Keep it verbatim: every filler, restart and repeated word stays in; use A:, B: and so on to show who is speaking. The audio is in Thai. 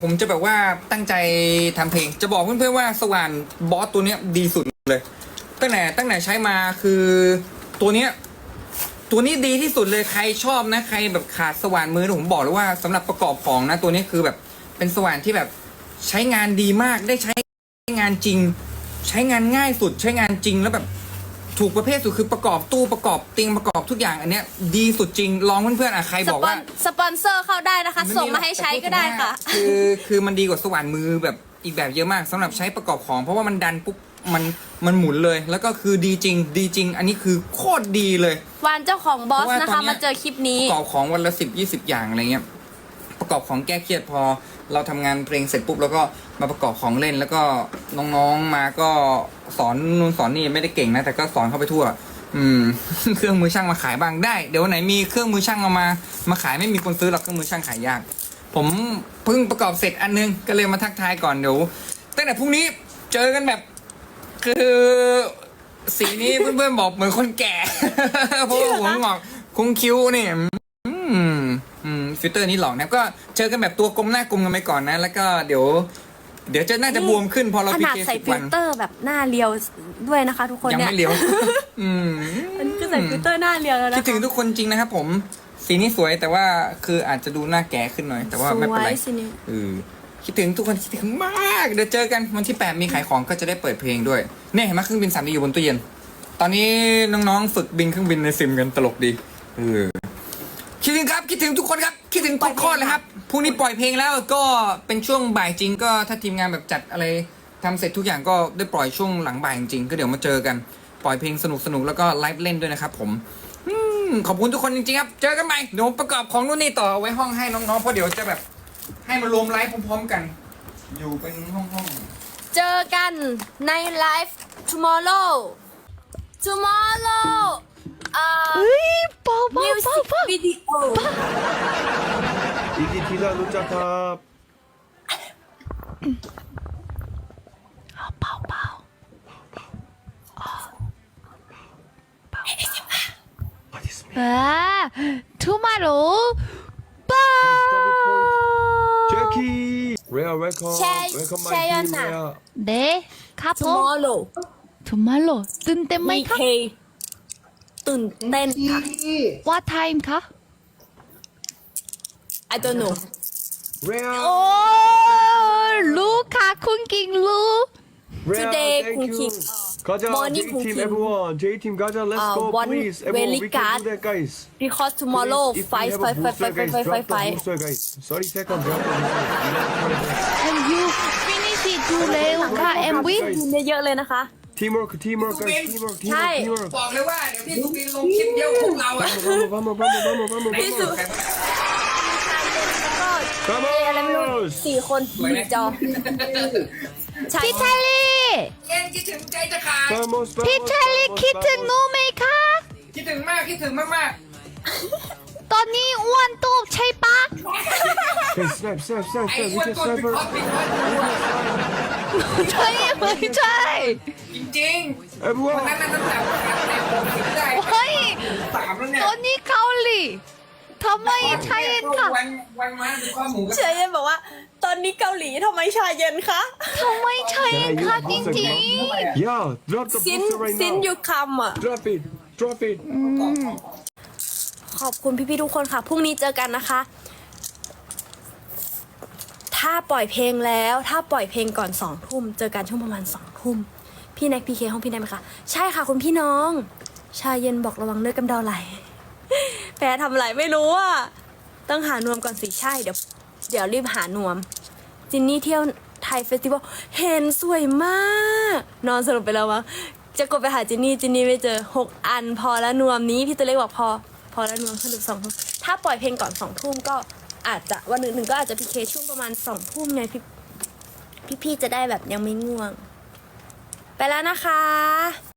A: ผมจะแบบว่าตั้งใจทำเพลงจะบอกเพื่อนๆว่าสว่านบอสตัวเนี้ยดีสุดเลยตั้งแต่ตั้งแต่ใช้มาคือตัวเนี้ยตัวนี้ดีที่สุดเลยใครชอบนะใครแบบขาดสว่านมือผมบอกเลยว่าสำหรับประกอบของนะตัวนี้คือแบบเป็นสว่านที่แบบใช้งานดีมากได้ใช้งานจริง ใช้งานง่ายสุดใช้งานจริงแล้วแบบถูกประเภทสุดคือประกอบตู้ประกอบเตียงประกอบทุกอย่างอันเนี้ยดีสุดจริงลองเพื่อนๆอ่ะใครบอกว่า
B: สปอนเซอร์เข้าได้นะคะส่งมาให้ใช้ก็ได้ค่ะ
A: คือคือมันดีกว่าสว่านมือแบบอีกแบบเยอะมากสำหรับใช้ประกอบของเพราะว่ามันดันปุ๊บมันมันหมุนเลยแล้วก็คือดีจริง ดีจริง อันนี้คือโคตรดีเลยว
B: านเจ้าของบอสนะคะมาเจอคลิปนี้
A: ประกอบของวันละสิบยี่สิบอย่างอะไรเงี้ยประกอบของแก้เครียดพอเราทำงานเพลงเสร็จปุ๊บแล้วก็มาประกอบของเล่นแล้วก็น้องๆมาก็สอนนู่นสอนนี่ไม่ได้เก่งนะแต่ก็สอนเข้าไปทั่วอืม เครื่องมือช่างมาขายบ้างได้เดี๋ยววันไหนมีเครื่องมือช่างเอามามาขายไม่มีคนซื้อหรอกเครื่องมือช่างขายยากผมเพิ่งประกอบเสร็จอันนึงก็เลยมาทักทายก่อนเดี๋ยวตั้งแต่พรุ่งนี้เจอกันแบบคือสีนี้เพื่อนๆบอกเหมือนคนแก่ เพราะว่าหัวงอกคุ้งคิ้วนี่อืมอืมฟิลเตอร์นี้หลอกนะก็เจอกันแบบตัวกลมหน้ากลมกันไปก่อนนะแล้วก็เดี๋ยว เดี๋ยวจะน่าจะบวมขึ้นพอเรา
B: ข
A: พี
B: นาด
A: เค
B: ใส่
A: สิบ
B: ฟิ
A: วั
B: ล
A: น
B: เตอร์แบบหน้าเรียวด้วยนะคะ ทุกคน
A: ยัง
B: เนี่ย
A: ไม่เลี้ยว อืม
B: มันคือใส่ฟิลเตอร์หน้าเรียวแล้วนะ
A: คิดถึงทุกคนจริงนะครับผมสีนี้สวยแต่ว่าคืออาจจะดูหน้าแก่ขึ้นหน่อย แต่ว่าไม่เป็นไร
B: สวยสิเนี่ย
A: เออคิดถึงทุกคนคิดถึงมากเดี๋ยวเจอกันวันที่แปดมีขายของก็จะได้เปิดเพลงด้วยเนี่ยเห็นไหมเครื่องบินสามดีอยู่บนตู้เย็นตอนนี้น้องๆฝึกบินเครื่องบินในซิมกันตลกดีเออคิดถึงครับคิดถึงทุกคนครับคิดถึงทุกคนเลยครับพรุ่งนี้ปล่อยเพลงแล้วก็เป็นช่วงบ่ายจริงก็ถ้าทีมงานแบบจัดอะไรทำเสร็จทุกอย่างก็ได้ปล่อยช่วงหลังบ่ายจริงก็เดี๋ยวมาเจอกันปล่อยเพลงสนุกๆแล้วก็ไลฟ์เล่นด้วยนะครับผมอืมขอบคุณทุกคนจริงๆครับเจอกันใหม่เดี๋ยวผมประกอบของนู่นนี่ต่อเอาไว้ห้องให้น้องๆเพราะเดี๋ยวจะแบบให้มารวมไลฟ์พร้อมๆกัน อยู่เป็นห้องๆ
B: เจอกันในไลฟ์ tomorrow tomorrow อ่า
C: เฮ้ยเบาเบา
B: music
C: เบาเบา
B: video
D: อีกทีละรู้จักครับ
C: เบาเบา 아, tomorrow. 빠.
D: เจคกี้เรียเวลคัม
B: แชร์
D: เวลคัมมา
B: แชร์ยั
D: ที
B: ง
D: ม
B: น่ะ
D: เรีย
C: 네, 카포.
B: tomorrow
C: tomorrow. 뜬 땐
B: มี
C: 마이
B: เค
C: 카?
B: ตื่นเต้นค่ะ
C: What time 카?
B: I don't know
D: เรีย
C: 오, 루카 쿵킹 루.
B: today
D: thank you
B: cooking
D: 가자
B: morning
D: J team
B: cooking
D: everyone J team 가자 let's
B: Uh,
D: go
B: one
D: please everyone
B: very
D: we can
B: card.
D: do that guys
B: because tomorrow
D: Please, if we
B: five
D: have a
B: five five
D: booster,
B: five
D: guys,
B: five five
D: drop the
B: five
D: booster, guys. thirty seconds drop the booster.
C: And you finish it to 레우카 and we.
B: กินเยอะๆเลยนะคะ
D: teamwork teamwork guys
A: Subin.
D: teamwork
B: ใช่
D: teamwork teamwork
A: บอกเลยว่าเดี๋ยวพี่สุบินลงคลิปเดียวพวกเราอะ
D: vamos vamos vamos vamos
B: พี่สุ
D: vamos
B: แล้วก็เออะไรไม่รู้
D: vamos
B: สี่คนอยู่จอใช่
C: 피찰리.
A: เอ็นคิดถึงใจจะขาด
D: vamos vamos
C: 피찰리 키트 노메이카.
A: คิดถึงมากคิดถึงมาก
C: 떠니 우한 또 찰빠.
D: Hey, snipe snipe
A: ๆ
D: snipe
A: ไอ้
D: snipe
A: อ้วน
D: we can
A: ก้นปิด
D: sniper
A: คอปิดคอ
C: 차이 마이 차이.
A: จริงๆวัน
D: everyone
A: นั้นน่ะน้ำหนักขาดแต่ผมคิดได้
C: 와이.
A: สามแล้วเนี่ย
C: 떠니 가올리. 더마이
A: วัน
C: 차이엔카.
A: วันมาดูข้อหมูก็
B: เชยเย็นบอกว่า ตอนนี้เกาหลีทำไมชาเย็นคะ
C: 더마이 차이엔카 띵띵.
D: yeah drop the
B: ซิน
D: booster right
B: ซิน
D: now
B: ยูคำอ่ะ
D: drop it drop it
B: ขอบคุณพี่ๆทุกคนค่ะ พรุ่งนี้เจอกันนะคะ ถ้าปล่อยเพลงแล้ว ถ้าปล่อยเพลงก่อนสองทุ่ม เจอกันช่วงประมาณสองทุ่ม พี่แน็กพีเคห้องพี่แน็กไหมคะ ใช่ค่ะคุณพี่น้อง ชาเย็นบอกระวังเลือดกำเดาไหล แพ้ทำอะไรไม่รู้อ่ะ ต้องหานวมก่อนสิ ใช่ เดี๋ยว เดี๋ยวรีบหานวม จินนี่เที่ยวไทยเฟสติวัล เห็นสวยมาก นอนสรุปไปแล้ววะจะกดไปหาจินนี่ จินนี่ไม่เจอหกอันพอแล้วนวมนี้ พี่ตัวเล็กบอกพอ พอแล้วนวมสรุปสองทุ่ม ถ้าปล่อยเพลงก่อนสองทุ่มก็อาจจะวันหนึ่งหนึ่งก็อาจจะพีเคช่วงประมาณสองทุ่มไงพี่พี่ๆจะได้แบบยังไม่ง่วง ไปแล้วนะคะ